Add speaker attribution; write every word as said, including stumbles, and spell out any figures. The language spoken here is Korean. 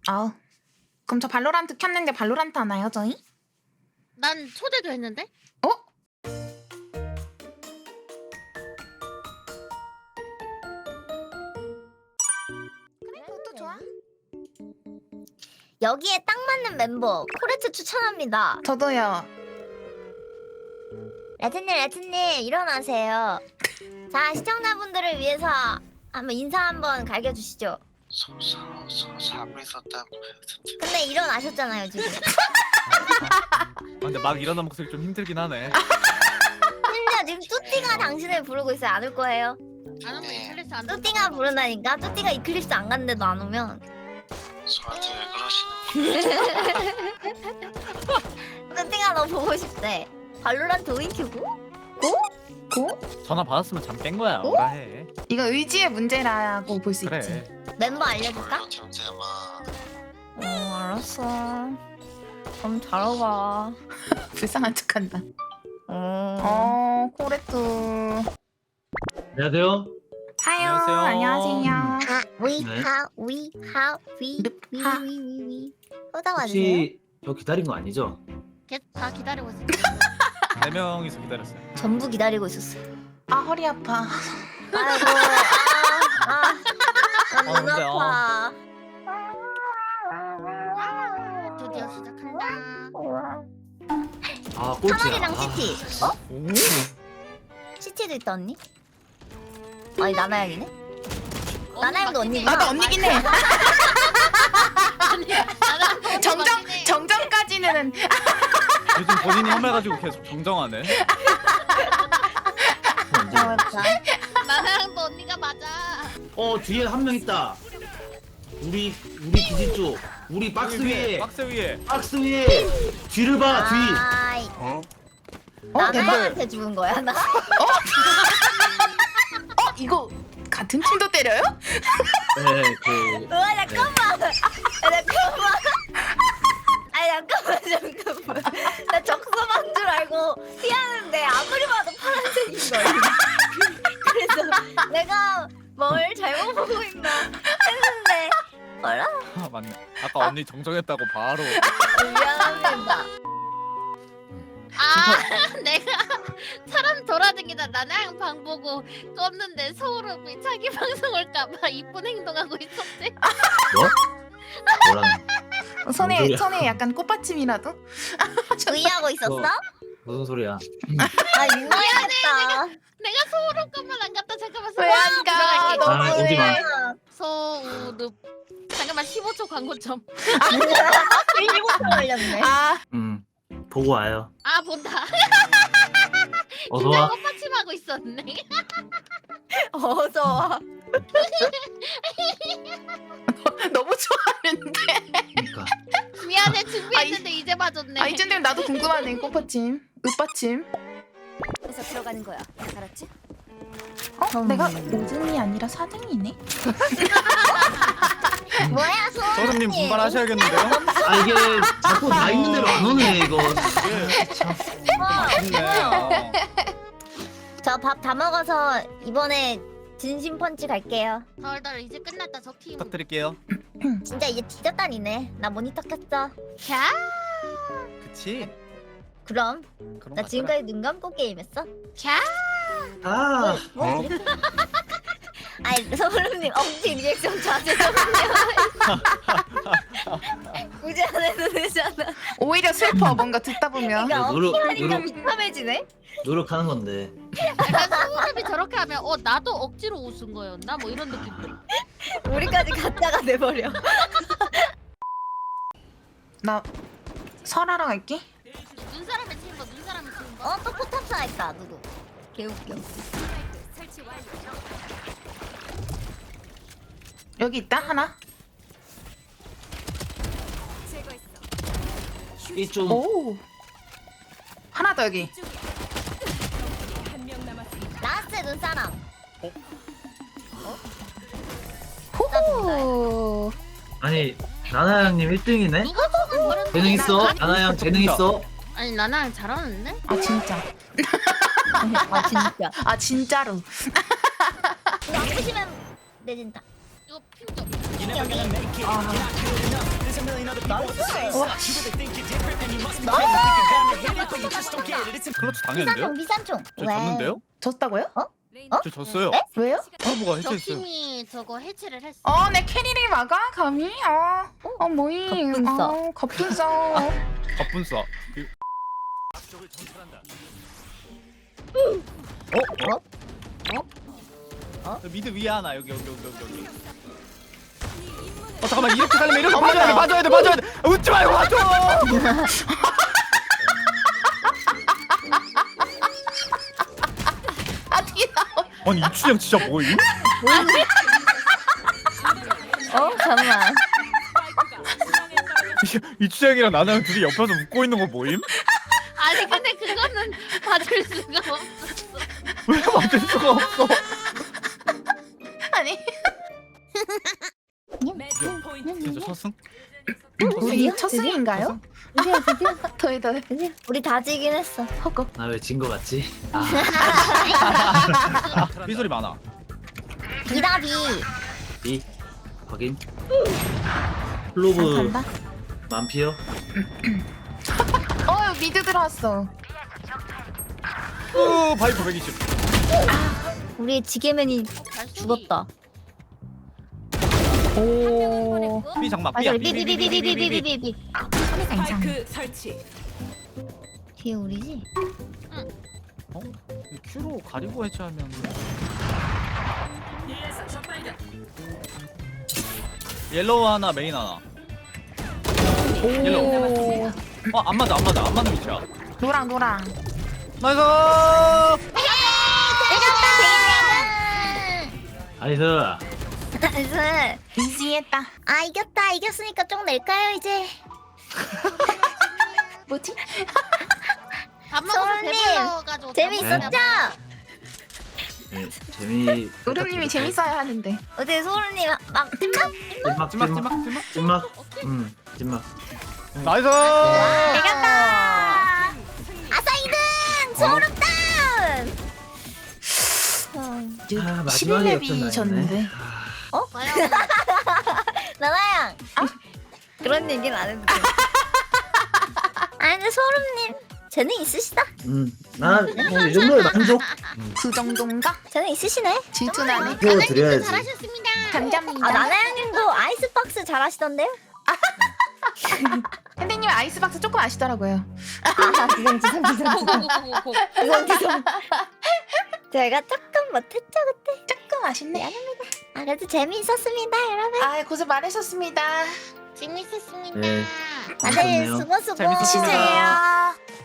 Speaker 1: 아, 그럼 저 발로란트 켰는데 발로란트 하나요, 저희?
Speaker 2: 난 초대도 했는데?
Speaker 1: 어? 그래, 그것도 좋아.
Speaker 3: 여기에 딱 맞는 멤버 코레트 추천합니다.
Speaker 1: 저도요.
Speaker 3: 레트님 레트님 일어나세요. 자 시청자분들을 위해서 한번 인사 한번 갈겨주시죠.
Speaker 4: 서, 서, 서, 자고 있었다고 했는데.
Speaker 3: 근데 일어나셨잖아요 지금.
Speaker 5: 아, 근데 막 일어나 목소리 좀 힘들긴 하네.
Speaker 3: 심지어 지금 뚜띠가 당신을 부르고 있어요. 안 올 거예요.
Speaker 2: 안 오면
Speaker 4: 네.
Speaker 2: 이클립스 안
Speaker 3: 뚜띠가 부른다니까. 뚜띠가 이클립스 안 갔는데도 안 오면.
Speaker 4: 저한테 왜 그러시는
Speaker 3: 뚜띠가 너 보고 싶대. 발로란트 오인 큐고? 고?
Speaker 1: 고?
Speaker 5: 전화 받았으면 잠 깬 거야.
Speaker 3: 어?
Speaker 5: 뭐라 해.
Speaker 1: 이거 의지의 문제라고 볼 수
Speaker 5: 그래.
Speaker 1: 있지.
Speaker 3: 멤버 알려줄까?
Speaker 4: 거예요, 정재마.
Speaker 3: 어 알았어. 그럼 자러 가.
Speaker 1: 불쌍한 척한다.
Speaker 3: 어.
Speaker 1: 어, 코레트.
Speaker 6: 안녕하세요.
Speaker 1: 하요.
Speaker 5: 안녕하세요.
Speaker 1: 안녕하세요.
Speaker 3: 하, 위,
Speaker 6: 네.
Speaker 3: 하, 위, 하, 위,
Speaker 1: 늪,
Speaker 3: 위,
Speaker 1: 하.
Speaker 3: 위, 위, 위. 호다 와주세요.
Speaker 6: 혹시 저 기다린 거 아니죠?
Speaker 2: 걔다 기다리고 있어.
Speaker 5: 네 명이서 기다렸어요.
Speaker 3: 전부 기다리고 있었어.
Speaker 1: 아, 허리 아파.
Speaker 3: 아이고, 아, 아, 아, 눈
Speaker 5: 근데, 어.
Speaker 3: 아파.
Speaker 2: 드디어 시작한다.
Speaker 6: 아 꼴찌야.
Speaker 3: 카멜이랑
Speaker 6: 아,
Speaker 3: 시티. 어?
Speaker 5: 오.
Speaker 3: 시티도 있다 언니? 아니 나나양이네? 나나양도 언니.
Speaker 1: 나도 언니긴 해.
Speaker 2: 나랑
Speaker 1: 정정, 정정까지는.
Speaker 5: 요즘 본인이 험해가지고 계속 정정하네.
Speaker 3: 맞아.
Speaker 2: 나랑도 언니가 맞아.
Speaker 6: 어 뒤에 한 명 있다. 우리 우리 기지 쪽. 우리 박스
Speaker 5: 여기
Speaker 6: 위에.
Speaker 5: 박스 위에.
Speaker 6: 박스 위에. 뒤를 봐 뒤.
Speaker 3: 아이,
Speaker 4: 어?
Speaker 1: 어, 멤버.
Speaker 3: 나나양한테 죽은 거야 나?
Speaker 1: 어, 이거 같은 팀도 때려요?
Speaker 6: 네 그.
Speaker 3: 으아 잠깐만. 아, 잠깐만. 아니 잠깐만 잠깐만. 나 적소만 줄 알고 피하는데 아무리 봐도 파란색인 거야. 그래서 내가 뭘 잘못 보고 있나 했는데 뭐라?
Speaker 5: 아, 맞네. 아까 언니 정정했다고 바로.
Speaker 3: 미안합니다.
Speaker 2: 아, 내가 사람 돌아다니다 나랑 방 보고 껐는데 서울읍이 자기 방송 올까봐 이쁜 행동하고 있었대.
Speaker 6: 뭐? 뭐라는? 뭔
Speaker 1: 손에,
Speaker 6: 소리야?
Speaker 1: 손에 약간 꽃받침이라도?
Speaker 3: 의의하고 있었어?
Speaker 6: 뭐? 무슨 소리야?
Speaker 3: 아 민망했다.
Speaker 2: 내가 서울읍까만 안 갔다 잠깐만.
Speaker 1: 왜 안 가?
Speaker 2: 들어갈게.
Speaker 6: 아, 오지 마.
Speaker 2: 서울읍. 잠깐만 십오 초 광고점.
Speaker 3: 일곱 초 걸렸네.
Speaker 1: 아,
Speaker 6: 음 보고 와요.
Speaker 2: 아 본다.
Speaker 6: 어서
Speaker 2: 진짜
Speaker 6: 와.
Speaker 2: 꽃받침하고 있었네.
Speaker 3: 어서 와.
Speaker 1: 너무 좋아하는데.
Speaker 6: 그러니까.
Speaker 2: 미안해 준비했는데 이제 봐줬네.
Speaker 1: 아, 이쯤 되면 나도 궁금하네, 꽃받침. 윽받침.
Speaker 3: 그래서 들어가는 거야. 알았지?
Speaker 1: 어?
Speaker 3: 음.
Speaker 1: 내가 오 등이 아니라 사 등이네?
Speaker 3: 뭐야 소원이?
Speaker 5: 서른님 분발하셔야겠는데요?
Speaker 6: 아 이게 자꾸 나 있는 대로 안 오네 이거.
Speaker 5: 맞네.
Speaker 3: 저 밥 다 먹어서 이번에 진심 펀치 갈게요.
Speaker 2: 덜덜 이제 끝났다 저 팀.
Speaker 5: 부탁드릴게요.
Speaker 3: 진짜 이제 뒤졌다니네. 나 모니터 켰어.
Speaker 2: 캬.
Speaker 5: 그치?
Speaker 3: 그럼
Speaker 5: 그런
Speaker 3: 나
Speaker 5: 거
Speaker 3: 지금까지 눈 감고 게임했어.
Speaker 2: 캬.
Speaker 6: 아.
Speaker 3: 뭐
Speaker 4: 어?
Speaker 3: 그래? 아니 서울님 엄지 리액션 자제 좀요. 굳이 안 해도 되잖아.
Speaker 1: 오히려 슬퍼, 뭔가 듣다 보면.
Speaker 3: 그러니까
Speaker 6: 노력,
Speaker 3: 엄지 하니까
Speaker 6: 노력.
Speaker 3: 비참해지네.
Speaker 6: 노력하는 건데.
Speaker 2: 약간 서울읍이 저렇게 하면 어 나도 억지로 웃은 거였나 뭐 이런 느낌.
Speaker 3: 우리까지 가짜가 돼버려.
Speaker 1: 나 설하러 갈게.
Speaker 2: 눈사람의 친구 눈사람의 친구.
Speaker 3: 어 또 포탑사 했다 누구? 개웃겨.
Speaker 1: 여기 있다, 하나.
Speaker 6: 이좀
Speaker 1: 오. 하나 더 여기.
Speaker 3: 라스트 눈사람.
Speaker 1: 호호.
Speaker 6: 아니 나나 형님 일 등이네.
Speaker 2: 누가 죽은 버렸는데
Speaker 6: 재능 있어.
Speaker 2: 나-
Speaker 6: 나나 형 재능 있어.
Speaker 2: 아니 나랑 잘하는데?
Speaker 1: 아, 진짜.
Speaker 3: 아 진짜.
Speaker 1: 아, 진짜로.
Speaker 3: 이거 안 부시면 내진다.
Speaker 2: 이거 핑 좀.
Speaker 3: 여기.
Speaker 1: 아.
Speaker 5: 클러치 당했는데요?
Speaker 3: 미산총 미산총.
Speaker 5: 저 졌는데요?
Speaker 1: 졌다고요?
Speaker 5: 저 졌어요.
Speaker 3: 네?
Speaker 1: 왜요?
Speaker 5: 서브가
Speaker 2: 저
Speaker 5: 해체했어요.
Speaker 2: 팀이 저거 해체를 했어.
Speaker 1: 어, 내 캐리를 막아? 감히? 어, 어 뭐임?
Speaker 3: 갑분싸.
Speaker 1: 어, 갑분싸.
Speaker 5: 갑분싸. 그- 어? 어? 어? 미드 위에 하나 여기 여기 여기 여기 여기. 어 잠깐만 이렇게 살면 이렇게 맞아야 돼 맞아야 돼 맞아야 돼. 아, 웃지 말고 맞아.
Speaker 1: 아, 뒤에 나와.
Speaker 5: 아니 이춘영 진짜 뭐임?
Speaker 3: 어 잠만.
Speaker 5: 이춘영이랑 나나랑 둘이 옆에서 웃고 있는 거 뭐임?
Speaker 2: 아니 근데 그거는 봐줄 수가 없어.
Speaker 5: 왜 맞을 수가 없어?
Speaker 1: 아니,
Speaker 5: 진짜 첫승?
Speaker 1: 우리 첫 승인가요?
Speaker 3: 드디어 드디어
Speaker 1: 더해, 더해.
Speaker 3: 드디어. 우리 다 지긴 했어.
Speaker 1: 허걱.
Speaker 6: 나 왜 진 거 같지? 아,
Speaker 5: 삐소리 많아.
Speaker 3: 비다비.
Speaker 6: B 확인. 클로브
Speaker 1: 간다.
Speaker 6: 만피어.
Speaker 1: 어, 미드 들어왔어.
Speaker 5: 오 바이퍼 백이십.
Speaker 3: 우리의 지게맨이 죽었다.
Speaker 1: 오.
Speaker 5: 삐 장막
Speaker 3: 맞아.
Speaker 5: 삐야
Speaker 3: 비비비비비비비비비.
Speaker 1: 괜찮아.
Speaker 7: 스파이크 설치.
Speaker 3: 뒤에 우리지?
Speaker 5: 어? 큐로 가리고 해체하면 옐로우 하나 메인 하나. 옐로우.
Speaker 1: 오.
Speaker 5: 어안 맞아 안 맞아 안 맞는 위치야.
Speaker 1: 노랑, 노랑.
Speaker 5: 나이스.
Speaker 6: 나이스.
Speaker 3: 나이스.
Speaker 1: 이지했다.
Speaker 3: 아 이겼다. 이겼으니까 좀 낼까요 이제?
Speaker 1: 뭐지?
Speaker 2: 밥 먹어서
Speaker 3: 소울님,
Speaker 2: 배불러가지고
Speaker 3: 재밌었죠?
Speaker 6: 네, 재미.
Speaker 1: 우름님이 재밌어야 하는데.
Speaker 3: 어제 소울님 막 찜막?
Speaker 6: 찐막
Speaker 5: 찜막
Speaker 6: 찐막
Speaker 5: 찜막 찜막.
Speaker 6: 찐막. 음 찐막.
Speaker 5: 나이스.
Speaker 3: 이겼다. 아싸 이등 소울 업다운.
Speaker 6: 아,
Speaker 1: 십일
Speaker 6: 마지막에
Speaker 1: 렙이 졌는데.
Speaker 2: 와요.
Speaker 3: 나나양. 그런 얘기는 안 해도 돼. 아니 근데 소름님 재능 있으시다.
Speaker 6: 음, 나이 정도에 만족.
Speaker 1: 그 정도인가?
Speaker 3: 재능 있으시네.
Speaker 1: 질투나네.
Speaker 6: 보여드려야지.
Speaker 2: 잘하셨습니다.
Speaker 1: 감사합니다.
Speaker 3: 아 나나양님도 아이스박스 잘하시던데요?
Speaker 1: 선생님 아이스박스 조금 아시더라고요.
Speaker 3: 아 지성 지성 지성
Speaker 2: 고고고고고.
Speaker 3: 지성 지성. 제가 조금 못했죠 그때.
Speaker 1: 조금 아쉽네.
Speaker 3: 아 그래도 재미있었습니다 여러분.
Speaker 1: 아, 고생 많으셨습니다.
Speaker 2: 재밌었습니다.
Speaker 6: 네.
Speaker 3: 다들
Speaker 6: 재밌었네요.
Speaker 3: 수고 수고.
Speaker 5: 재밌었습니다.
Speaker 1: 쉬세요.